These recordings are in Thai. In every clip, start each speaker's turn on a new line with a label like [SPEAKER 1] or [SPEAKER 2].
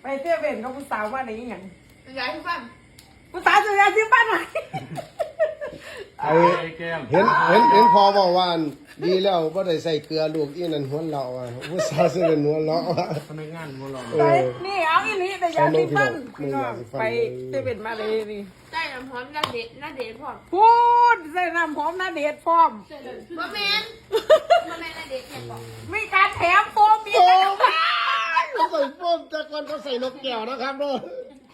[SPEAKER 1] เที่ยวเว่นกับผู้สาวว่าไหนอย่าง
[SPEAKER 2] ยายที่บ้าน
[SPEAKER 1] ผู้สาวจะยายที่บ้านไหน
[SPEAKER 3] เห็นพอบอกว่าดีแล้วว่าได้ใส่เกลือลูกอีนั่นหัวเราอ่ะผู้สาวเสื้อหัวเราอ่ะ
[SPEAKER 4] พนักงานหัวเรา
[SPEAKER 1] นี่เอาอีนี้แต่ยาที่บ้านพี่น้องไปเที่ยวเว่นมาเลยนี่
[SPEAKER 2] ใส่น้ำหอมหน้าเด็ดพร้อม
[SPEAKER 1] พูดใส่น้ำหอมหน้าเดชพร้อม
[SPEAKER 2] บะเมนหน้าเด็ดแค่บอก
[SPEAKER 1] มีการแถมโฟมมีก
[SPEAKER 3] ใ
[SPEAKER 1] าร
[SPEAKER 3] ส่โฟมจากก่อนเขาใส่นกแก้วนะครับเนาะ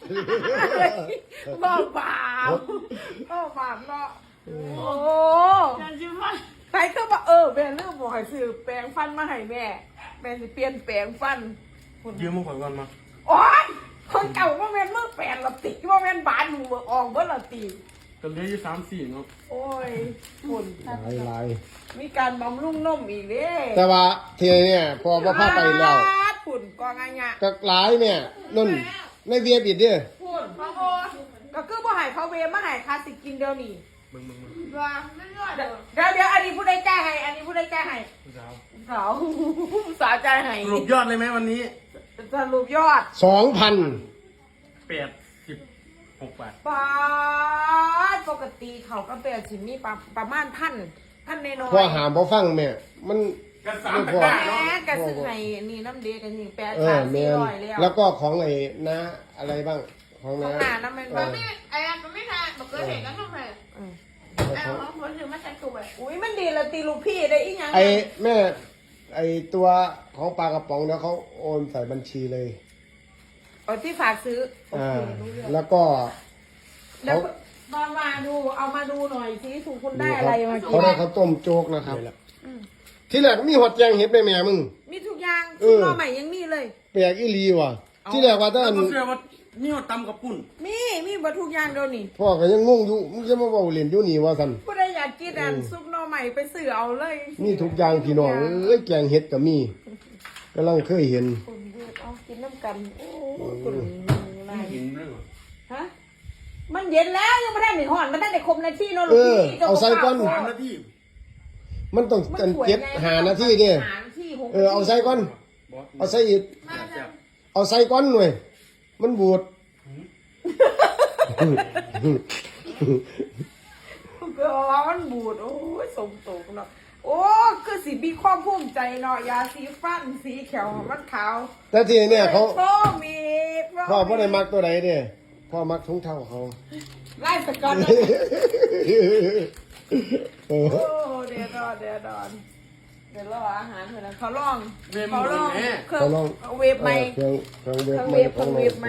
[SPEAKER 1] บ้าบาปเนาะโอ้ใครก็บอกแม่เรื่องบอกให้ซื้อแปรงฟันมาให้แม่สิเปลี่ยนแปรงฟัน
[SPEAKER 4] ยืมมือขอยก่อนมา
[SPEAKER 1] โอ๊ยคนเก่าว่าแม่มือแปรงละติว่าแม่บานมือออกเมื่อละติ
[SPEAKER 4] ก็เหลืออยู่3-4เนาะ
[SPEAKER 1] โอ้ยฝุ่น
[SPEAKER 3] ลาย
[SPEAKER 1] มีการบำรุงนมอีกเด้
[SPEAKER 3] แต่ว่าทีเนี่ยพอพาไปแล้ว
[SPEAKER 1] ฝุ่นกองไงเนี่ย
[SPEAKER 3] ก็หลายเนี่ยนั่นในเวียบิดเด้อ
[SPEAKER 1] ฝุ่นพ่อโอก็คือบ่ให้เขาเวมาให้คาสิกินเดียวนี่
[SPEAKER 4] มึง
[SPEAKER 2] ว่าไม่รอด
[SPEAKER 1] เดี๋ยวอันนี้ผู้ใดแก้ให้สาวใจให้
[SPEAKER 4] สรุปยอดเลยไหมวันนี้
[SPEAKER 1] สรุปยอด
[SPEAKER 4] 2,086 บาท
[SPEAKER 1] บาทปกติเขาก็เป็นสิมีประมาณพันในน้อย
[SPEAKER 3] พอหามพอฟังแม่มัน
[SPEAKER 4] กัน3ตะกร้าเนาะ
[SPEAKER 1] กระซึ่งให้นี่น้ำเดียกันนี่8,400
[SPEAKER 3] แล้วก็ของไอ้นะอะไรบ้างของนะ
[SPEAKER 1] น้ำมัน
[SPEAKER 2] ไอ้ก็ไม่ทานบอกเคยเห็นกันทำไมไอ้ของคนถือมาใช้ตัว
[SPEAKER 1] อุ้ยมันดีละตีลูกพี่ได้อีกอย่าง
[SPEAKER 3] ไอ้แม่ไอ้ตัวของปลากระป๋องแล้วเขาโอนใส่บัญชีเลย
[SPEAKER 1] ที่ฝากซื้อ
[SPEAKER 3] แล้วก็
[SPEAKER 1] แล้วมาดูเอามาดูหน่อยสิถูกคุณได้อะไรมา
[SPEAKER 3] เขาได้เขาต้มโจ๊กนะครับที่แรกมีหอดแจงเห็ดแม่แม่มึง
[SPEAKER 1] มีทุกอย่างคุณรอใหม่ยังมีเลย
[SPEAKER 3] แปลกอีลีว่ะที่แรกว่าท่าน
[SPEAKER 4] นี่ว่าตำกับปุ่น
[SPEAKER 1] มีบัตทุกอย่างเดี๋ยวนี้
[SPEAKER 3] พ่อก็ยังงงอยู่มึงจะมาบอกเรียนอยู่นี่ว่าสัน
[SPEAKER 1] ผู้ใดอยากกินซุปหน่อใหม่ไปซื้อเอาเลย
[SPEAKER 3] มีทุกอย่างพี่น้องแกงเห็ดก็มีกำลังเคยเห็น
[SPEAKER 1] กินน้ำกันโอ้คุณนาย
[SPEAKER 4] กินด้วย
[SPEAKER 1] ฮะมันเย็นแล้วยังไม่ได้หนีห่อนมันได้แต่คมนาทีเนาะลูกพี่
[SPEAKER 3] เอาใส่ก้อน
[SPEAKER 4] 3 นาที
[SPEAKER 3] มันต้องเก็บ5 นาทีดิเอาใส่ก้อนเอาใส่อีกเอาใส่ก้อนหน่อยมันบูด
[SPEAKER 1] ก็มันบูดโอ้ยสมตกเนาะโอ้คือสีมีความภูมิใจเนาะยาสีฟันสีเขียวมันขาว
[SPEAKER 3] แต่ทีเนี่ยเขา
[SPEAKER 1] มี
[SPEAKER 3] พ่อไม่ได้มักตัวไหนเนี่ยพ่อมักทุ่งเท่าเขา
[SPEAKER 1] ไล่สกัดโอ้เดี๋ยวรออาหารเถอะนะเขาลองเครื่องเวฟไหมเครื่องเวฟไหม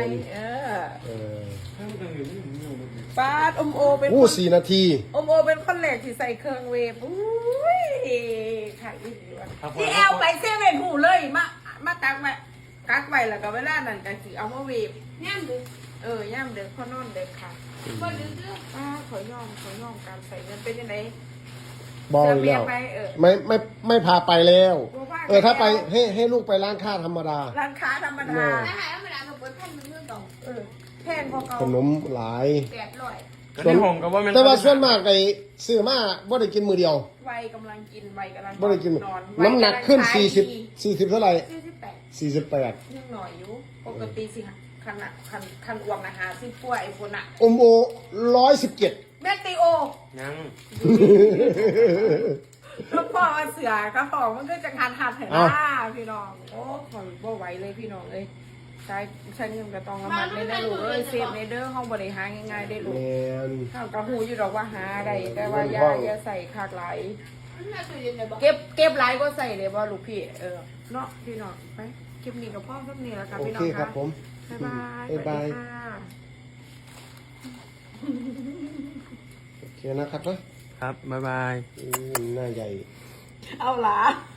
[SPEAKER 1] ป้าอมโอเป็น
[SPEAKER 3] 4 นาที
[SPEAKER 1] อมโอเป็นคนแรกที่ใส่เครื่องเวฟอุ้ยค่ะที่แอลไปเซเว่นหูเลยมาตักไว้แล้วก็เวลานั้นก็สิเอามาเวฟ
[SPEAKER 2] ย่ำดึก
[SPEAKER 1] ย่ำเด็กเขานอนเด็กค่ะ
[SPEAKER 2] คนดึก
[SPEAKER 1] ขอย่อมการใส่เงินเป็นยังไง
[SPEAKER 3] บอกแล้วไม่พาไปแล้วถ้าไปให้ลูกไปร้านค้าธรรมดา
[SPEAKER 1] ร้านค้าธรรมดา
[SPEAKER 2] ร้านค้าธรรมดาเขาเปิดแผ่นมือต่อ
[SPEAKER 1] แผ่นพอเขา
[SPEAKER 3] ขนมหลาย
[SPEAKER 4] แต่
[SPEAKER 3] ว่าส่วนมากไอ้ซื้อมาบ่ได้กินมือเดียว
[SPEAKER 1] วัยกำลังกินวัยกำลัง
[SPEAKER 3] บ่ได้กินน้ำหนักขึ้น40เท่าไหร่48
[SPEAKER 1] ยังหน่อยอยู่ปกติสิคันอ้วงอาหารสิป่วยคนอ่ะ
[SPEAKER 3] อมโอ117
[SPEAKER 1] แมตติโอ
[SPEAKER 4] ยัง
[SPEAKER 1] ก็พอเสือก็พอมันก็จะทานเห็นหน้าพี่น้องโอ้ขอบ่ไหวเลยพี่น้องเอ้ยใช้เงินกระตองกระมัดเลยนะลูกเอ้ยเซฟในเด้อห้องบริหารง่ายๆได้ลูกข้าวกระหูอยู่ดอกว่าหาได้แต่ว่ายาใส่คากไหลเก็บไหลก็ใส่เลยว่าลูกพี่เนาะพี่น้องไปเก็บนี่กับพ่อสักนี่แล้วกันพี่น้องค่ะบ๊ายบาย
[SPEAKER 3] โอเคนะครับนะครับ
[SPEAKER 4] บ๊ายบาย
[SPEAKER 3] หน้าใหญ่
[SPEAKER 1] เอาล่ะ